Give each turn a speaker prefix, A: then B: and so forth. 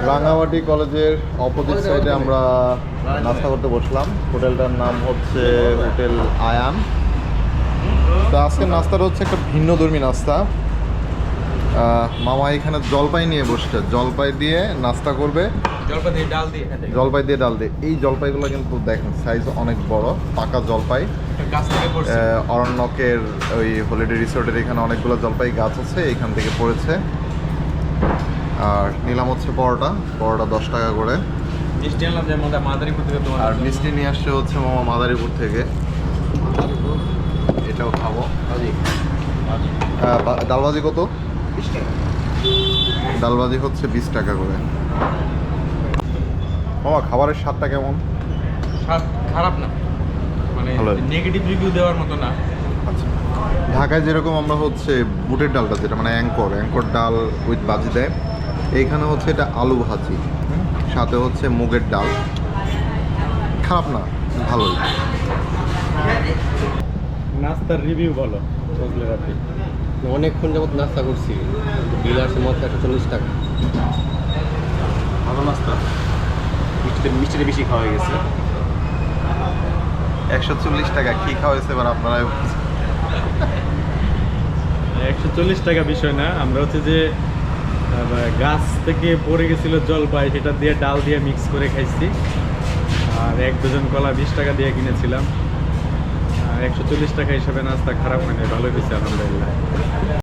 A: রাঙামাটি কলেজের অপোজিট সাইডে আমরা নাস্তা করতে বসলাম। হোটেলটার নাম হচ্ছে হোটেল আয়ান। তো আজকের নাস্তাটা হচ্ছে একটা ভিন্নধর্মী নাস্তা। মামা এখানে জলপাই নিয়ে বসছে, জলপাই দিয়ে নাস্তা করবে, জলপাই দিয়ে ডাল দিয়ে। এই জলপাইগুলো কিন্তু দেখেন সাইজ অনেক বড়, পাকা জলপাই। অরণ্যকের ওই হলিডে রিসোর্টের এখানে অনেকগুলো জলপাই গাছ আছে, এখান থেকে পড়েছে। আর নিলাম হচ্ছে পরোটা 10 টাকা করে। আর মিষ্টি নিয়ে আসছে হচ্ছে মামা মাদারীপুর থেকে, এটাও খাবো। ডালবাজি কত? 20 টাকা। ডালবাজি হচ্ছে 20 টাকা করে। মামা খাবারের স্বাদটা কেমন?
B: স্বাদ খারাপ না, মানে নেগেটিভ রিভিউ দেওয়ার মতো না।
A: আচ্ছা, ঢাকায় যেরকম আমরা হচ্ছে বুটের ডালটা, যেটা মানে অ্যাঙ্কর ডাল উইথ ভাজি দেয়, এইখানে হচ্ছে এটা আলু ভাজি, সাথে হচ্ছে মুগের ডাল। খারাপ না, ভালোই।
B: নাস্তার রিভিউ বলো বুঝলে আপনি।
C: অনেকক্ষণ যাবত নাস্তা করছি, বিল আসছে মতো 140 টাকা।
B: ভালো নাস্তা, মিষ্টিতে বেশি খাওয়া হয়ে গেছে।
A: 140 টাকা কি খাওয়া হয়েছে এবার আপনারা?
B: 140 টাকা বিষয় না, আমরা হচ্ছে যে গাছ থেকে পড়ে গেছিল জলপাই, সেটা দিয়ে ডাল দিয়ে মিক্স করে খাইছি। আর 1 ডজন কলা 20 টাকা দিয়ে কিনেছিলাম। 140 টাকা হিসাবে নাস্তা খারাপ মানে, ভালোই হয়েছে আলহামদুলিল্লাহ।